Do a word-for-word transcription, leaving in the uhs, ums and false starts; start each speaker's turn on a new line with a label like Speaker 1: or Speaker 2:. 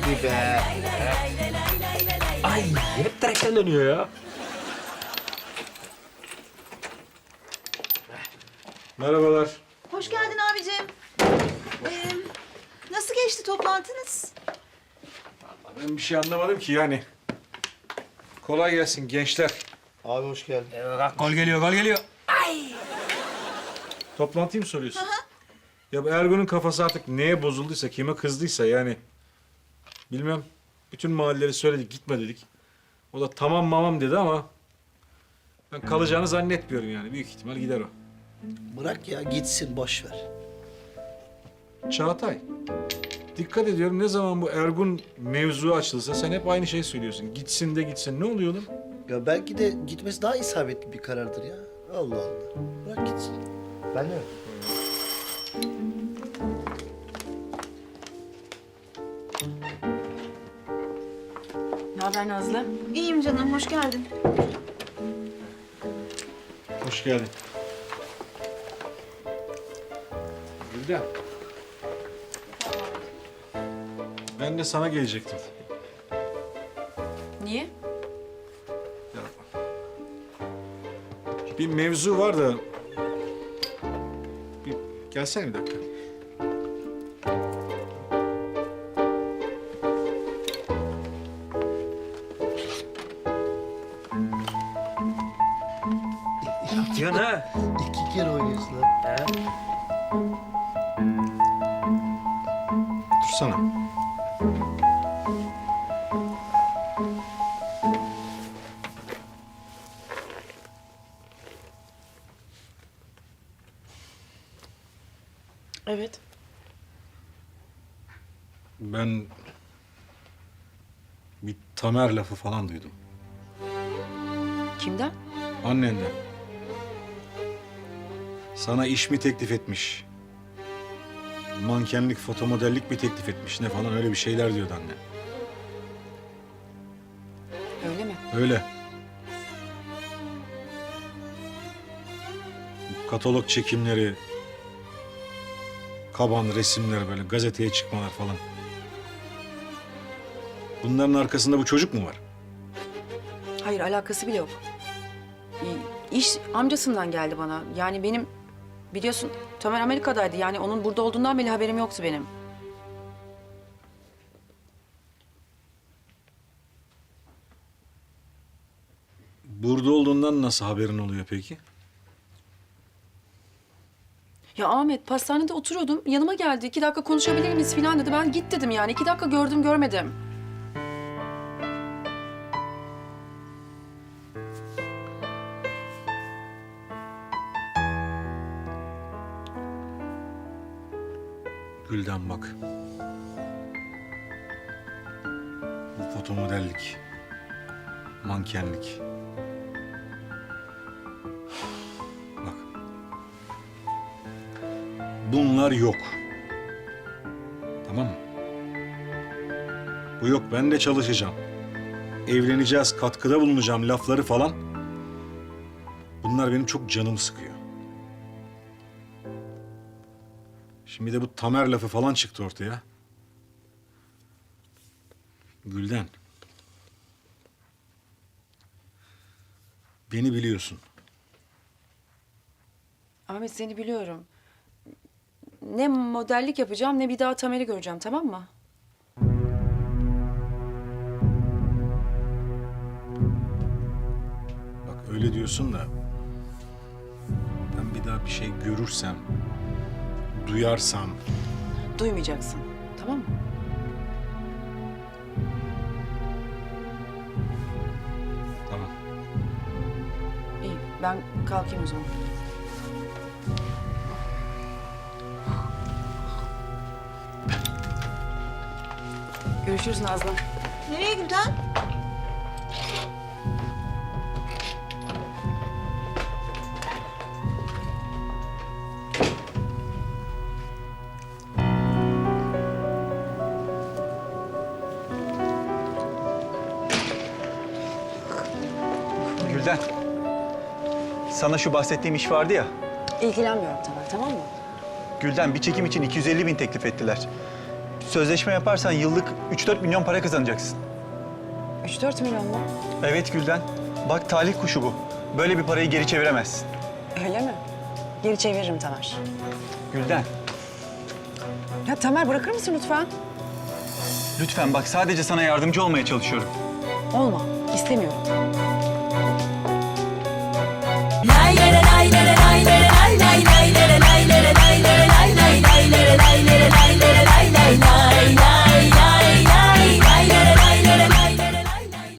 Speaker 1: Hadi be. Ay hep direkten dönüyor ya.
Speaker 2: Merhabalar.
Speaker 3: Hoş geldin abicim. Ee, nasıl geçti toplantınız?
Speaker 2: Ben bir şey anlamadım ki yani. Kolay gelsin gençler.
Speaker 4: Abi hoş geldin.
Speaker 1: Gol geliyor, gol geliyor.
Speaker 2: Toplantıyı mı soruyorsun? Ya bu Ergun'un kafası artık neye bozulduysa, kime kızdıysa yani. Bilmem. Bütün mahalleleri söyledik, gitme dedik. O da tamam mamam dedi ama... ben kalacağını zannetmiyorum yani. Büyük ihtimal gider o.
Speaker 4: Bırak ya gitsin boş ver.
Speaker 2: Çağatay. Dikkat ediyorum ne zaman bu Ergun mevzu açılsa sen hep aynı şeyi söylüyorsun. Gitsin de gitsin. Ne oluyor oğlum?
Speaker 4: Ya belki de gitmesi daha isabetli bir karardır ya. Allah Allah. Bırak gitsin. Ben de.
Speaker 5: Ne haber Nazlı?
Speaker 3: İyiyim canım, hoş geldin.
Speaker 2: Hoş geldin. Gülden. Ben de sana gelecektim.
Speaker 5: Niye?
Speaker 2: Ya, bir mevzu var da... Bir gelsene bir dakika.
Speaker 1: Diyorsun ha?
Speaker 4: İki kere oynuyorsun lan.
Speaker 1: He?
Speaker 2: Dursana.
Speaker 5: Evet.
Speaker 2: Ben... bir Tamer lafı falan duydum.
Speaker 5: Kimden?
Speaker 2: Annenden. Sana iş mi teklif etmiş? Mankenlik, fotomodellik mi teklif etmiş? Ne falan öyle bir şeyler diyordu anne.
Speaker 5: Öyle mi?
Speaker 2: Öyle. Bu katalog çekimleri, kaban resimler böyle gazeteye çıkmalar falan. Bunların arkasında bu çocuk mu var?
Speaker 5: Hayır, alakası bile yok. İş amcasından geldi bana. Yani benim biliyorsun Tamer Amerika'daydı. Yani onun burada olduğundan bile haberim yoktu benim.
Speaker 2: Burada olduğundan nasıl haberin oluyor peki?
Speaker 5: Ya Ahmet, pastanede oturuyordum. Yanıma geldi. İki dakika konuşabilir miyiz falan dedi. Ben git dedim yani. İki dakika gördüm görmedim.
Speaker 2: Gülden bak. Bu fotomodellik, mankenlik. Bak. Bunlar yok. Tamam mı? Bu yok, ben de çalışacağım. Evleneceğiz, katkıda bulunacağım lafları falan. Bunlar benim çok canımı sıkıyor. Şimdi de bu Tamer lafı falan çıktı ortaya. Gülden. Beni biliyorsun.
Speaker 5: Ahmet, seni biliyorum. Ne modellik yapacağım ne bir daha Tamer'i göreceğim, tamam mı?
Speaker 2: Bak öyle diyorsun da... ben bir daha bir şey görürsem... duyarsam...
Speaker 5: Duymayacaksın, tamam mı?
Speaker 2: Tamam.
Speaker 5: İyi, ben kalkayım o zaman. Görüşürüz Nazlı.
Speaker 3: Nereye Gülden?
Speaker 6: Gülden, sana şu bahsettiğim iş vardı ya.
Speaker 5: İlgilenmiyorum Tamer, tamam mı?
Speaker 6: Gülden, bir çekim için iki yüz elli bin teklif ettiler. Sözleşme yaparsan yıllık üç dört milyon para kazanacaksın.
Speaker 5: Üç dört milyon mu?
Speaker 6: Evet Gülden. Bak talih kuşu bu. Böyle bir parayı geri çeviremezsin.
Speaker 5: Öyle mi? Geri çeviririm Tamer.
Speaker 6: Gülden,
Speaker 5: Ya Tamer bırakır mısın lütfen?
Speaker 6: lütfen bak sadece sana yardımcı olmaya çalışıyorum.
Speaker 5: Olma. İstemiyorum.